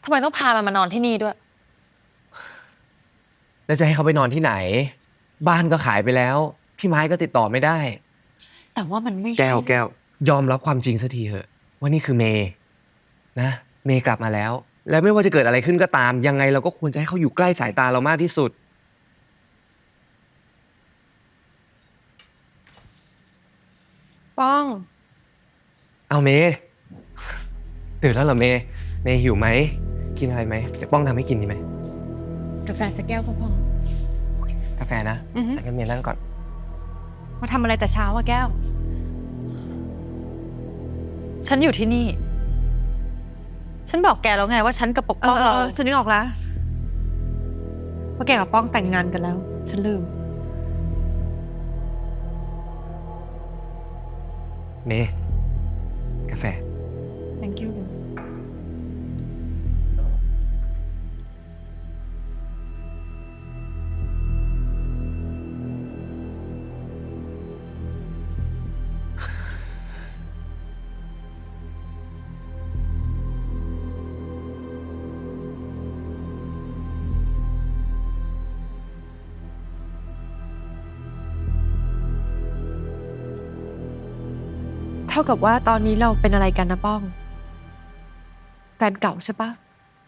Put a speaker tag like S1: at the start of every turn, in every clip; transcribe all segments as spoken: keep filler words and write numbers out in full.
S1: ทำไมต้องพามันมานอนที่นี่ด้วย
S2: แล้วจะให้เขาไปนอนที่ไหนบ้านก็ขายไปแล้วพี่ไม้ก็ติดต่อไม่ได้
S1: แต่ว่ามันไม่ใช่
S2: แก้วแก้วยอมรับความจริงสักทีเถอะว่านี่คือเมย์นะเมย์กลับมาแล้วและไม่ว่าจะเกิดอะไรขึ้นก็ตามยังไงเราก็ควรจะให้เขาอยู่ใกล้สายตาเรามากที่สุด
S3: ป้อง
S2: เอาเมย์ตื่นแล้วเหรอเมย์เมย์หิวไหมกินอะไรไหมเดี๋ยวป้องทำให้กินดีไหม
S1: กาแฟสักแก้วก็พอก
S2: าแฟนะงั้นเมย์นั่งก่อน
S3: มาทำอะไรแต่เช้าอะแก้ว
S1: ฉันอยู่ที่นี่ฉันบอกแกแล้วไงว่าฉันกับปกป้องเรา
S3: ฉันนึกออกแล้วว่าแกกับป้องแต่งงานกันแล้วฉันลืม
S2: เมย์กาแฟ
S3: thank you เท่ากับว่าตอนนี้เราเป็นอะไรกันนะป้องแฟนเก่าใช่ปะ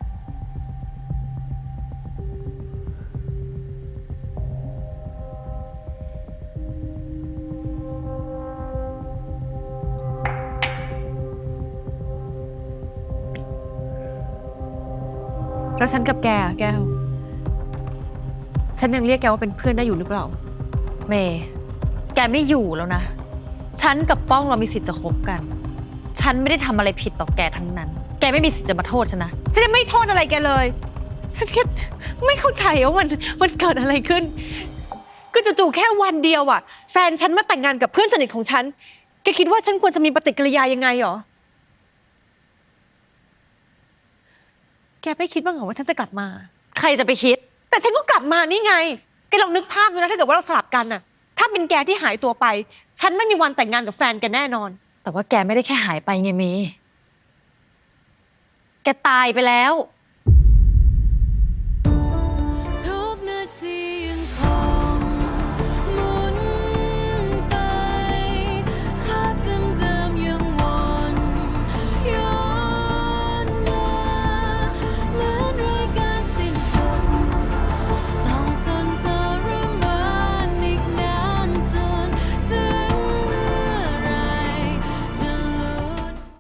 S3: แล้วฉันกับแกอะแก้วฉันยังเรียกแกว่าเป็นเพื่อนได้อยู่หรือเปล่า
S1: เมย์แกไม่อยู่แล้วนะฉันกับป้องเรามีสิทธิ์จะคบกันฉันไม่ได้ทำอะไรผิดต่อแกทั้งนั้นแกไม่มีสิทธิ์จะมาโทษฉันนะ
S3: ฉันไม่โทษอะไรแกเลยฉันแค่ไม่เข้าใจว่ามันมันเกิดอะไรขึ้นก็จู่ๆแค่วันเดียวอะแฟนฉันมาแต่งงานกับเพื่อนสนิทของฉันแกคิดว่าฉันควรจะมีปฏิกิริยายังไงหรอแกไม่คิดบ้างเหรอว่าฉันจะกลับมา
S1: ใครจะไปคิด
S3: แต่ฉันก็กลับมานี่ไงแกลองนึกภาพดูนะถ้าเกิดว่าเราสลับกันน่ะถ้าเป็นแกที่หายตัวไปฉันไม่มีวันแต่งงานกับแฟนแกแน่นอน
S1: แต่ว่าแกไม่ได้แค่หายไปไงเมย์แกตายไปแล้ว